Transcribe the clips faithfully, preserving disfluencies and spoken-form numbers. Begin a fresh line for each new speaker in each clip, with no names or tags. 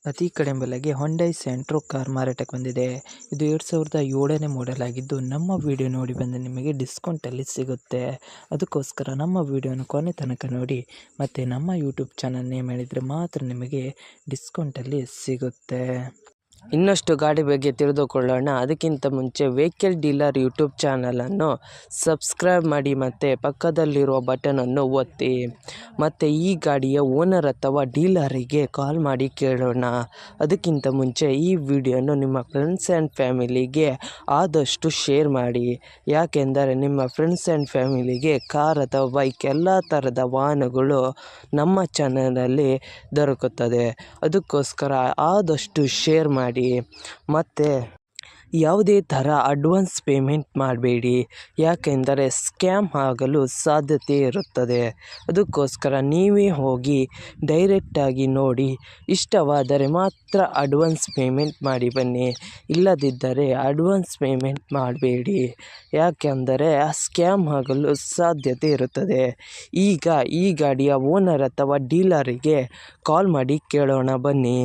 ಅತಿ ಕಡಿಮೆ ಬೆಲೆಗೆ ಹೊಂಡೈ ಸೆಂಟ್ರೋ ಕಾರ್ ಮಾರಾಟಕ್ಕೆ ಬಂದಿದೆ. ಇದು ಎರಡು ಸಾವಿರದ ಏಳನೇ ಮಾಡೆಲ್ ಆಗಿದ್ದು, ನಮ್ಮ ವಿಡಿಯೋ ನೋಡಿ ಬಂದು ನಿಮಗೆ ಡಿಸ್ಕೌಂಟಲ್ಲಿ ಸಿಗುತ್ತೆ. ಅದಕ್ಕೋಸ್ಕರ ನಮ್ಮ ವಿಡಿಯೋನ ಕೊನೆ ತನಕ ನೋಡಿ ಮತ್ತು ನಮ್ಮ ಯೂಟ್ಯೂಬ್ ಚಾನಲ್ ನೇಮ್ ಹೇಳಿದರೆ ಮಾತ್ರ ನಿಮಗೆ ಡಿಸ್ಕೌಂಟಲ್ಲಿ ಸಿಗುತ್ತೆ. ಇನ್ನಷ್ಟು ಗಾಡಿ ಬಗ್ಗೆ ತಿಳಿದುಕೊಳ್ಳೋಣ. ಅದಕ್ಕಿಂತ ಮುಂಚೆ ವೆಹಿಕಲ್ ಡೀಲರ್ ಯೂಟ್ಯೂಬ್ ಚಾನಲನ್ನು ಸಬ್ಸ್ಕ್ರೈಬ್ ಮಾಡಿ ಮತ್ತು ಪಕ್ಕದಲ್ಲಿರುವ ಬಟನನ್ನು ಒತ್ತಿ. ಮತ್ತು ಈ ಗಾಡಿಯ ಓನರ್ ಅಥವಾ ಡೀಲರಿಗೆ ಕಾಲ್ ಮಾಡಿ ಕೇಳೋಣ. ಅದಕ್ಕಿಂತ ಮುಂಚೆ ಈ ವಿಡಿಯೋನು ನಿಮ್ಮ ಫ್ರೆಂಡ್ಸ್ ಆ್ಯಂಡ್ ಫ್ಯಾಮಿಲಿಗೆ ಆದಷ್ಟು ಶೇರ್ ಮಾಡಿ. ಯಾಕೆಂದರೆ ನಿಮ್ಮ ಫ್ರೆಂಡ್ಸ್ ಆ್ಯಂಡ್ ಫ್ಯಾಮಿಲಿಗೆ ಕಾರ್ ಅಥವಾ ಬೈಕ್ ಎಲ್ಲ ಥರದ ವಾಹನಗಳು ನಮ್ಮ ಚಾನಲಲ್ಲಿ ದೊರಕುತ್ತದೆ. ಅದಕ್ಕೋಸ್ಕರ ಆದಷ್ಟು ಶೇರ್ ಮಾಡಿ. ಮತ್ತು ಯಾವುದೇ ಥರ ಅಡ್ವಾನ್ಸ್ ಪೇಮೆಂಟ್ ಮಾಡಬೇಡಿ, ಯಾಕೆಂದರೆ ಸ್ಕ್ಯಾಮ್ ಆಗಲು ಸಾಧ್ಯತೆ ಇರುತ್ತದೆ. ಅದಕ್ಕೋಸ್ಕರ ನೀವೇ ಹೋಗಿ ಡೈರೆಕ್ಟಾಗಿ ನೋಡಿ, ಇಷ್ಟವಾದರೆ ಮಾತ್ರ ಅಡ್ವಾನ್ಸ್ ಪೇಮೆಂಟ್ ಮಾಡಿ ಬನ್ನಿ. ಇಲ್ಲದಿದ್ದರೆ ಅಡ್ವಾನ್ಸ್ ಪೇಮೆಂಟ್ ಮಾಡಬೇಡಿ, ಯಾಕೆಂದರೆ ಸ್ಕ್ಯಾಮ್ ಆಗಲು ಸಾಧ್ಯತೆ ಇರುತ್ತದೆ. ಈಗ ಈ ಗಾಡಿಯ ಓನರ್ ಅಥವಾ ಡೀಲರಿಗೆ ಕಾಲ್ ಮಾಡಿ ಕೇಳೋಣ ಬನ್ನಿ.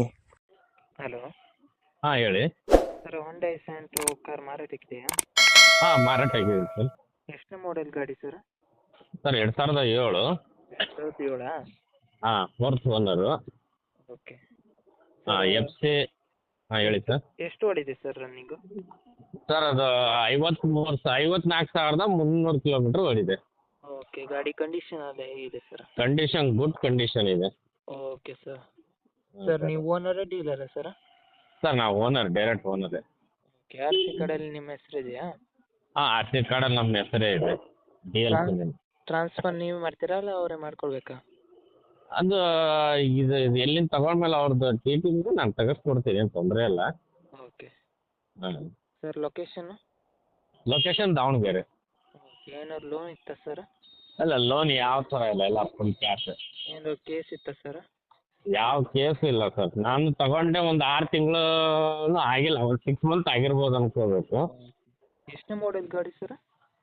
ಹಲೋ
ಹಾಂ ಹೇಳಿ.
ಸರ್, ಹೊಂಡೈ ಸೆಂಟ್ರೋ ಕಾರ್ ಮಾರಾಟಕ್ಕಿದೆಯಾ?
ಹಾಂ ಮಾರಾಟ ಆಗಿದೆ ಸರ್.
ಎಷ್ಟನೇ ಮಾಡೆಲ್ ಗಾಡಿ ಸರ್?
ಸರ್ ಎರಡು ಸಾವಿರದ ಏಳು.
ಎರಡು ಸಾವಿರದ ಏಳಾ?
ಹಾಂ ಫೋರ್ತ್ ಓನರು.
ಓಕೆ.
ಹಾಂ ಎಫ್ ಸಿ. ಹಾಂ ಹೇಳಿ ಸರ್.
ಎಷ್ಟು ಓಡಿದೆ ಸರ್ ರನ್ನಿಂಗು?
ಸರ್ ಅದು ಐವತ್ತ್ಮೂರು ಸ ಐವತ್ನಾಲ್ಕು ಸಾವಿರದ ಮುನ್ನೂರು ಕಿಲೋಮೀಟ್ರ್ ಓಡಿದೆ.
ಓಕೆ. ಗಾಡಿ ಕಂಡೀಷನ್ ಎಲ್ಲ ಹೇಗಿದೆ ಸರ್?
ಕಂಡೀಷನ್ ಗುಡ್ ಕಂಡೀಷನ್ ಇದೆ.
Okay sir. ಸರ್, ನೀವು ಓನರೇ ಡೀಲರಾ ಸರ್?
ಸರ್ ನಾವು ಓನರ್, ಡೈರೆಕ್ಟ್ ಓನರೇ.
ಓಕೆ. ಆರ್ ಸಿ ಕಾರ್ಡಲ್ಲಿ ನಿಮ್ಮ ಹೆಸರು ಇದೆಯಾ?
ಹಾಂ ಆರ್ ಸಿ ಕಾರ್ಡಲ್ಲಿ ನಮ್ಮ ಹೆಸರೇ ಇದೆ. ಡಿ ಎಲ್
ಟ್ರಾನ್ಸ್ಫರ್ ನೀವು ಮಾಡ್ತೀರಾ ಅಲ್ಲ ಅವರೇ ಮಾಡ್ಕೊಳ್ಬೇಕಾ?
ಅದು ಇದು ಇದು ಎಲ್ಲಿಂದ ತಗೊಂಡ್ಮೇಲೆ ಅವ್ರದ್ದು ಟಿ ಟಿ ಇದೆ, ನಾನು ತೆಗೆಸ್ಕೊಡ್ತೀನಿ, ಏನು ತೊಂದರೆ ಇಲ್ಲ.
ಓಕೆ.
ಹಾಂ
ಸರ್, ಲೊಕೇಶನ್ನು?
ಲೊಕೇಶನ್ ದಾವಣಗೆರೆ.
ಓಕೆ. ಏನಾದ್ರು ಲೋನ್ ಇತ್ತಾ ಸರ್?
ಅಲ್ಲ, ಲೋನ್ ಯಾವ ಥರ ಇಲ್ಲ, ಎಲ್ಲ ಫುಲ್ ಕ್ಯಾಶ್.
ಏನಾದ್ರು ಕೇಸ್ ಇತ್ತಾ ಸರ್?
ಯಾವ ಕೇಸು ಇಲ್ಲ ಸರ್. ನಾನು ತಗೊಂಡೆ ಒಂದು ಆರು ತಿಂಗಳು ಆಗಿಲ್ಲ, ಒಂದು ಸಿಕ್ಸ್ ಮಂತ್ ಆಗಿರ್ಬೋದು ಅನ್ಕೋಬೇಕು.
ಎಷ್ಟನೇ ಮಾಡೆಲ್ ಗಾಡಿ ಸರ್?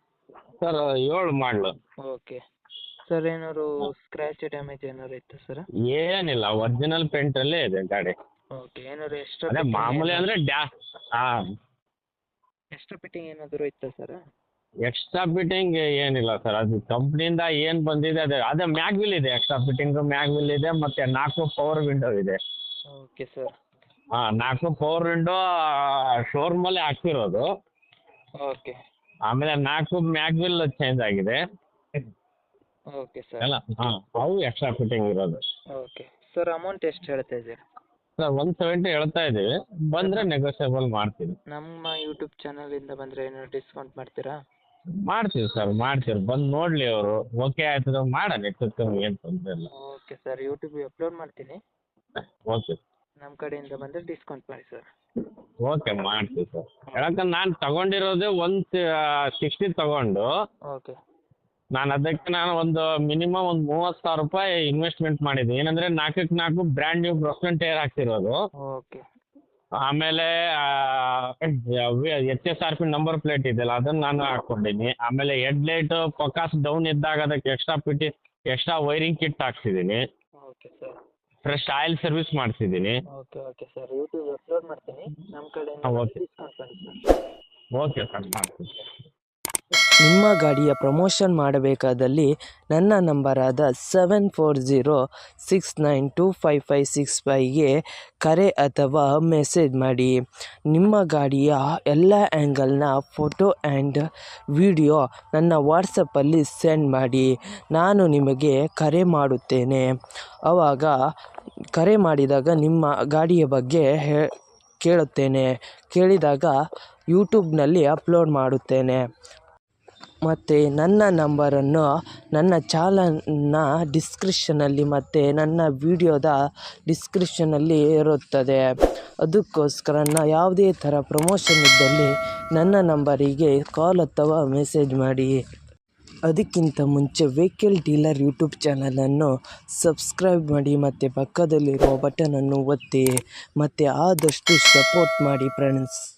ಸರ್ ಏಳು ಮಾಡಲು.
ಓಕೆ. ಸರ್, ಏನಾದ್ರು ಸ್ಕ್ರ್ಯಾಚ್ ಡ್ಯಾಮೇಜ್ ಏನಾದ್ರು ಇತ್ತಾ ಸರ್?
ಏನಿಲ್ಲ, ಒರಿಜಿನಲ್ ಪೇಂಟಲ್ಲೇ ಇದೆ ಗಾಡಿ.
ಓಕೆ. ಏನಾದ್ರು ಎಕ್ಸ್ಟ್ರಾ
ಅದೇ ಮಾಮೂಲಿ ಅಂದರೆ ಡ್ಯಾ ಹಾಂ
ಎಕ್ಸ್ಟ್ರಾ ಫಿಟ್ಟಿಂಗ್ ಏನಾದರೂ ಇತ್ತಾ ಸರ್?
ಎಕ್ಸ್ಟ್ರಾ ಫಿಟ್ಟಿಂಗ್ ಏನಿಲ್ಲ ಸರ್. ಅದು ಕಂಪ್ನಿಯಿಂದ ಏನು ಬಂದಿದೆ ಅದೇ ಅದೇ ಮ್ಯಾಗ್ ವಿಲ್ ಇದೆ. ಎಕ್ಸ್ಟ್ರಾ ಫಿಟ್ಟಿಂಗು ಮ್ಯಾಗ್ ವಿಲ್ ಇದೆ, ಮತ್ತು ನಾಲ್ಕು ಪವರ್ ವಿಂಡೋ ಇದೆ.
Okay sir.
ಹಾಂ ನಾಲ್ಕು ಪವರ್ ವಿಂಡೋ ಶೋರೂಮಲ್ಲೇ ಹಾಕ್ಸಿರೋದು.
ಓಕೆ.
ಆಮೇಲೆ ನಾಲ್ಕು ಮ್ಯಾಗ್ ವಿಲ್ ಚೇಂಜ್ ಆಗಿದೆ
ಓಕೆ ಸರ್.
ಎಲ್ಲ. ಹಾಂ ಅವು ಎಕ್ಸ್ಟ್ರಾ ಫಿಟ್ಟಿಂಗ್ ಇರೋದು.
ಓಕೆ. ಸರ್, ಅಮೌಂಟ್ ಎಷ್ಟು ಹೇಳ್ತಾ ಇದ್ದೀರಾ?
ಸರ್ ಒನ್ ಸೆವೆಂಟಿ ಹೇಳ್ತಾ ಇದ್ದೀವಿ, ಬಂದರೆ ನೆಗೋಷಿಯಬಲ್ ಮಾಡ್ತೀವಿ.
ನಮ್ಮ ಯೂಟ್ಯೂಬ್ ಚಾನಲಿಂದ ಬಂದರೆ ಏನಾದ್ರು ಡಿಸ್ಕೌಂಟ್ ಮಾಡ್ತೀರಾ?
ಮಾಡ್ತೀವಿ ಸರ್, ಮಾಡ್ತೀವಿ. ಬಂದು ನೋಡಲಿ ಅವರು, ಓಕೆ ಆಯ್ತದ ಮಾಡೋಣ, ಹೆಚ್ಚು ಕಮ್ಮಿ ಏನು ತೊಂದರೆ ಇಲ್ಲ.
Okay sir. ಯೂಟ್ಯೂಬಿಗೆ ಅಪ್ಲೋಡ್ ಮಾಡ್ತೀನಿ,
ಓಕೆ
ನಮ್ಮ ಕಡೆಯಿಂದ ಬಂದರೆ ಡಿಸ್ಕೌಂಟ್ ಮಾಡಿ ಸರ್.
ಓಕೆ ಮಾಡ್ತೀವಿ ಸರ್. ಯಾಕಂದ್ರೆ ನಾನು ತಗೊಂಡಿರೋದೇ ಒನ್ ಸಿಕ್ಸ್ಟಿ ತಗೊಂಡು,
ಓಕೆ.
ನಾನು ಅದಕ್ಕೆ ನಾನು ಒಂದು ಮಿನಿಮಮ್ ಒಂದು ಮೂವತ್ತು ಸಾವಿರ ರೂಪಾಯಿ ಇನ್ವೆಸ್ಟ್ಮೆಂಟ್ ಮಾಡಿದ್ದೀನಿ. ಏನಂದರೆ ನಾಲ್ಕಕ್ಕೆ ನಾಲ್ಕು ಬ್ರ್ಯಾಂಡ್ ನ್ಯೂ ಬ್ರಸ್ಟನ್ ಟೈರ್ ಹಾಕ್ತಿರೋದು.
ಓಕೆ.
ಆಮೇಲೆ H S R P number plate ಇದೆಯಲ್ಲ, ಅದನ್ನು ನಾನು ಹಾಕ್ಕೊಂಡಿದ್ದೀನಿ. ಆಮೇಲೆ ಹೆಡ್ ಲೈಟು ಫೋಕಸ್ ಡೌನ್ ಇದ್ದಾಗ ಅದಕ್ಕೆ ಎಕ್ಸ್ಟ್ರಾ ಪಿಟಿ ಎಕ್ಸ್ಟ್ರಾ ವೈರಿಂಗ್ ಕಿಟ್ ಹಾಕ್ಸಿದ್ದೀನಿ.
Okay sir.
Fresh oil service ಮಾಡಿಸಿದ್ದೀನಿ.
Okay okay sir. YouTube upload ಮಾಡ್ತೀನಿ, ನಮ್ಮ ಕಡೆಯಿಂದ
ಓಕೆ
ಡಿಸ್ಕೌಂಟ್ ಮಾಡಿ ಸರ್.
ಓಕೆ ಸರ್, ಮಾಡ್ತೀನಿ.
ನಿಮ್ಮ ಗಾಡಿಯ ಪ್ರಮೋಷನ್ ಮಾಡಬೇಕಾದಲ್ಲಿ ನನ್ನ ನಂಬರಾದ seven four zero six nine two five five six ಫೈವ್ಗೆ ಕರೆ ಅಥವಾ ಮೆಸೇಜ್ ಮಾಡಿ. ನಿಮ್ಮ ಗಾಡಿಯ ಎಲ್ಲ ಆ್ಯಂಗಲ್ನ ಫೋಟೋ ಆ್ಯಂಡ್ ವಿಡಿಯೋ ನನ್ನ ವಾಟ್ಸಪ್ಪಲ್ಲಿ ಸೆಂಡ್ ಮಾಡಿ. ನಾನು ನಿಮಗೆ ಕರೆ ಮಾಡುತ್ತೇನೆ. ಆವಾಗ ಕರೆ ಮಾಡಿದಾಗ ನಿಮ್ಮ ಗಾಡಿಯ ಬಗ್ಗೆ ಹೇ ಕೇಳುತ್ತೇನೆ. ಕೇಳಿದಾಗ ಯೂಟ್ಯೂಬ್ನಲ್ಲಿ ಅಪ್ಲೋಡ್ ಮಾಡುತ್ತೇನೆ. ಮತ್ತು ನನ್ನ ನಂಬರನ್ನು ನನ್ನ ಚಾನಲ್ನ ಡಿಸ್ಕ್ರಿಪ್ಷನಲ್ಲಿ ಮತ್ತು ನನ್ನ ವಿಡಿಯೋದ ಡಿಸ್ಕ್ರಿಪ್ಷನಲ್ಲಿ ಇರುತ್ತದೆ. ಅದಕ್ಕೋಸ್ಕರ ಯಾವುದೇ ಥರ ಪ್ರಮೋಷನ್ ಇದ್ದಲ್ಲಿ ನನ್ನ ನಂಬರಿಗೆ ಕಾಲ್ ಅಥವಾ ಮೆಸೇಜ್ ಮಾಡಿ. ಅದಕ್ಕಿಂತ ಮುಂಚೆ ವೆಹಿಕಲ್ ಡೀಲರ್ ಯೂಟ್ಯೂಬ್ ಚಾನಲನ್ನು ಸಬ್ಸ್ಕ್ರೈಬ್ ಮಾಡಿ ಮತ್ತು ಪಕ್ಕದಲ್ಲಿರುವ ಬಟನನ್ನು ಒತ್ತಿ ಮತ್ತು ಆದಷ್ಟು ಸಪೋರ್ಟ್ ಮಾಡಿ ಫ್ರೆಂಡ್ಸ್.